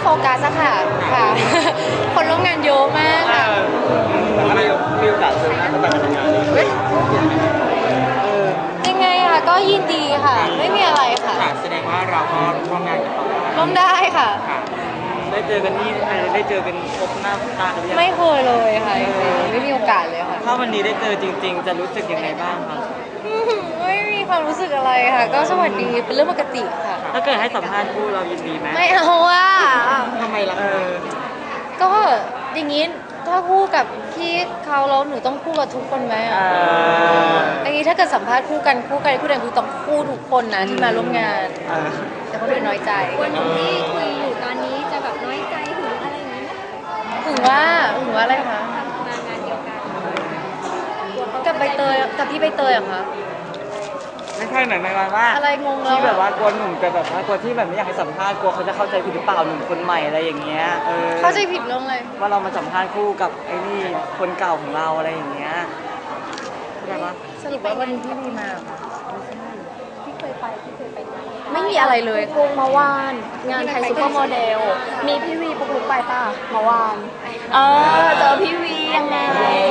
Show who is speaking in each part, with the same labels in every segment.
Speaker 1: กัสอะค่ะค่ะ คนร่วมงานเยอะมากค่ะ
Speaker 2: แต่ก็มีโอกาสเจอหน้าเขาแบบงานนี้
Speaker 1: ยังไงอะก็ยินดีค่ะไม่มีอะไรค่ะ
Speaker 2: แสดงว่าเราก็ร่วมงานกับเขา
Speaker 1: ร่วมได้ค่ะ
Speaker 2: ได้เจอกันที่ได้เจอกันพบหน้าตากันหรือยัง
Speaker 1: ไม่เคยเลยค่ะไม่มีโอกาสเลยค่ะ
Speaker 2: ถ้าวันนี้ได้เจอจริงๆจะรู้สึกยังไงบ้างครับ
Speaker 1: ไม่มีความรู้สึกอะไรค่ะก็สวัสดีเป็นเรื่องปกติค่ะ
Speaker 2: ถ้าเกิดให้สัมภาษณ์คู่เรายินดีไหม
Speaker 1: ไม่เอาว่า
Speaker 2: ทำไมล่ะ
Speaker 1: ก็อย่างนี้ถ้าคู่กับพี่เขาแล้วหนูต้องคู่กับทุกคนไหมอย่างนี้ถ้าเกิดสัมภาษณ์คู่กันคู่กันคือต้องคู่ทุกคนนะที่มาร่วมงานแต่คนอื่นน้อยใจ
Speaker 3: วันที่คุยอยู่ตอนนี้จะแบบน้อยใจหรืออะไรอย่างนี้ไหม
Speaker 1: ถึงว่าอะไรคะ
Speaker 3: มางานเดียวกัน
Speaker 1: กับใบเตยกับพี่ใบเตยเหรอคะ
Speaker 2: ไม่ใช่หมายว่า
Speaker 1: อะไรงงแล้ว
Speaker 2: ที่แบบว่ากลัวหนุ่มจะแบบว่ากลัวที่แบบไม่อยากให้สัมภาษณ์กลัวเขาจะเข้าใจผิดหรือเปล่าหนุ่มคนใหม่อะไรอย่างเงี้ย
Speaker 1: เข้าใจผิดเรื่องอะไร
Speaker 2: ว่าเรามาสัมภาษณ์คู่กับไอ้นี่คนเก่าของเราอะไรอย่างเงี้ยใช่ปะ
Speaker 1: สรุปว่าวันนี้พี่มีมา
Speaker 3: ที่เคยไปงาน
Speaker 1: ไม่มีอะไรเลย
Speaker 3: คงมาวานงานไทยซุปเปอร์โมเดลมีพี่วีปุ๊กลุกไปป่ะมาวานเจอพี่วียังไง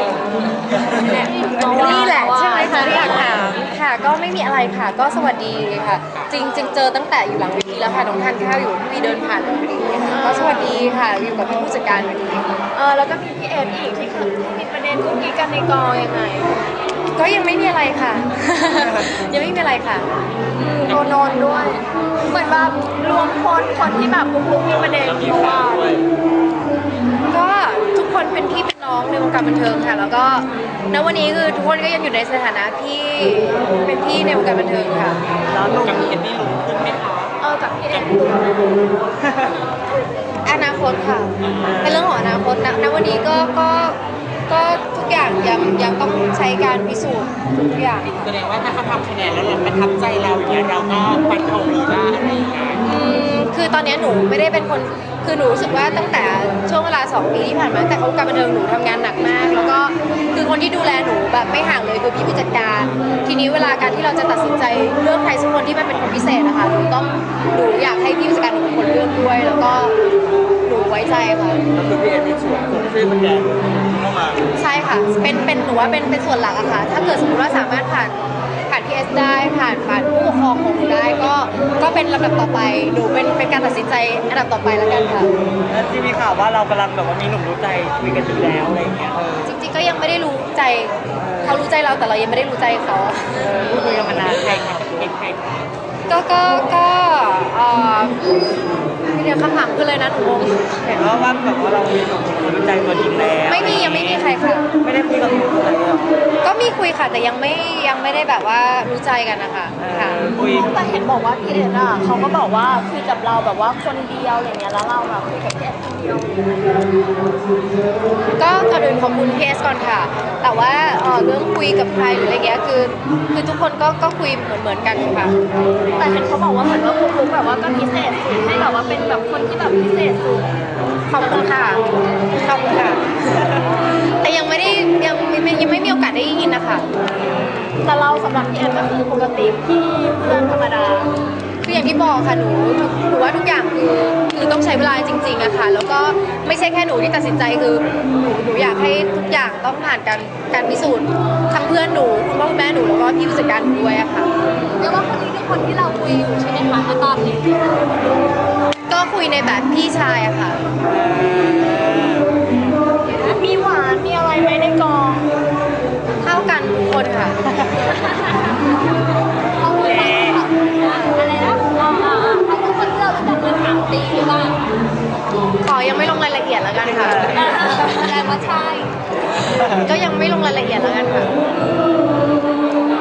Speaker 1: นี่แหละใช่ไหมคะที่อยากถามค่ะก็ไม่มีอะไรค่ะก็สวัสดีค่ะจริงเจอตั้งแต่อยู่หลังเวทีแล้วค่ะน้องทานข้าวอยู่พี่เดินผ่านพอดีก็สวัสดีค่ะอยู่กับพี่ผู้จัดการพอดี
Speaker 3: แล้วก็มีพี่เอ็มอีกที่มีประเด็นกุ๊กกิ๊กกันในกองยังไง
Speaker 1: ก็ยังไม่มีอะไรค่ะ ยังไม่มีอะไรค่ะ
Speaker 3: โดนด้วยเหมือนแบบรวมคนที่แบบปุ๊กมีประเด็นเพราะว่า
Speaker 1: ก็ทุกคนเป็นพี่เป็นน้องในวงการบันเทิงค่ะแล้วก็ณวันนี้คือทุกคนก็ยังอยู่ในสถานะที่เป็นพี่ในวงการบันเทิงค่ะ
Speaker 2: แล้วนุ่มกับพี่เอ็มนี่รู้ขึ้นไหมคะ
Speaker 3: กับพี่เอ็ม
Speaker 1: อนาคตค่ะเป็นเรื่องของอนาคตณวันนี้ก็ทุกอย่างยังต้องใช้การพิสูจน์ทุกอย่าง
Speaker 2: แสดงว่าถ้าเขาทำคะแนนแล้วเราประทับใจเราอย่างเงี้ยเราก็ฟันธงเลยว่าอะไรอย่างเงี้ย
Speaker 1: คือตอนนี้หนูไม่ได้เป็นคนคือหนูรู้สึกว่าตั้งแต่ช่วงเวลา2 ปีที่ผ่านมาแต่เขาการบันเทิงหนูทำงานหนักมากแล้วก็คือคนที่ดูแลหนูแบบไม่ห่างเลยคือพี่ผู้จัดการทีนี้เวลาการที่เราจะตัดสินใจเลือกใครสักคนที่มันเป็นคนพิเศษนะคะหนูอยากให้พี่ผู้จัดการหนูเป็นคนเลือกด้วยแล้วก็หนูไว้ใจค่ะ
Speaker 2: ก็คือพี่เอ็มมีส่วนช่วยมันแกเข้ามา
Speaker 1: ใช่ค่ะเป็นหนูว่าเป็นส่วนหลักอะค่ะถ้าเกิดสมมติว่าสามารถผ่านพีเอสได้ผ่านผู้ปกครองของหนูได้ก็เป็นลำดับต่อไปหนูเป็นการตัดสินใจอันดับต่อไปแล้วกันค่ะ
Speaker 2: แล้วที่มีข่าวว่าเรากำลังแบบว่ามีหนุ่มรู้ใจคุยกันอยู่แล้วอะไรอย่างเงี้ย
Speaker 1: จริงๆก็ยังไม่ได้รู้ใจเขารู้ใจเราแต่เรายังไม่ได้รู้ใจเขา
Speaker 2: พูดคุยกันมานานใครคะเป็นใคร
Speaker 1: ก็เดี๋ยวคำถามคือเลยนะหนูงง
Speaker 2: เห็นว่าแบบว่าเรามีหนุ่มรู้ใจตัวจริงแล้ว
Speaker 1: ไม่มียังไม่มีใครค่ะ
Speaker 2: ไม่ได้คุยกับหนุ่มอะไรหรอ
Speaker 1: ก็มีคุยค่ะแต่ยังไม่ได้แบบว่ารู้ใจกันนะคะค่ะ
Speaker 2: คุย
Speaker 3: แต่เห็นบอกว่าพี่เอ็นเขาก็บอกว่าคุยกับเราแบบว่าคนเดียวอะไรเงี้ยแล้วเราแบบคุยกับพี่เอ็นคนเดียว
Speaker 1: ก็ก่อนอื่นขอบคุณพีเอสก่อนค่ะแต่ว่าเรื่องคุยกับใครหรืออะไรเงี้ยคือทุกคนก็คุยเหมือนกันค่ะ
Speaker 3: แต่เห็นเขาบอกว่าเหมือนว่าปุ๊กแบบว่าก็พิเศษสุดให้แบบว่าเป็นแบบคนที่แบบพิเศษสุด
Speaker 1: ขอบคุณค่ะขอบคุณค่ะแต่ยังไม่มีโอกาสได้ยินนะคะ
Speaker 3: แต่เราสำหรับพี่แอนก็คือปกติพี่เพื่อนธรรมดา
Speaker 1: คืออย่างที่บอกค่ะหนูว่าทุกอย่างคือต้องใช้เวลาจริงๆอะค่ะแล้วก็ไม่ใช่แค่หนูที่ตัดสินใจคือหนูอยากให้ทุกอย่างต้องผ่านการพิสูจน์ทั้งเพื่อนหนูคุณพ่อคุณแม่หนูแล้วก็พี่ผู้จัดการหนูด้วยอะค่ะ
Speaker 3: เรียกว่าคนนี้คือคนที่เราคุยอยู่ใช่ไหมคะณตอนนี้
Speaker 1: ก็คุยในแบบพี่ชายอะค่ะ
Speaker 3: มีหวานมีอะไรไหมในกอง
Speaker 1: เท่ากันทุกคนค่ะ
Speaker 3: อะไรนะเขาเป็นคนที่เรารู้จักมา3 ปีหรือเปล่า
Speaker 1: ขอยังไม่ลงรายละเอียดแล้วกันค่ะ
Speaker 3: แต่ว่าใช่
Speaker 1: ก็ยังไม่ลงรายละเอียดแล้วกันค่ะ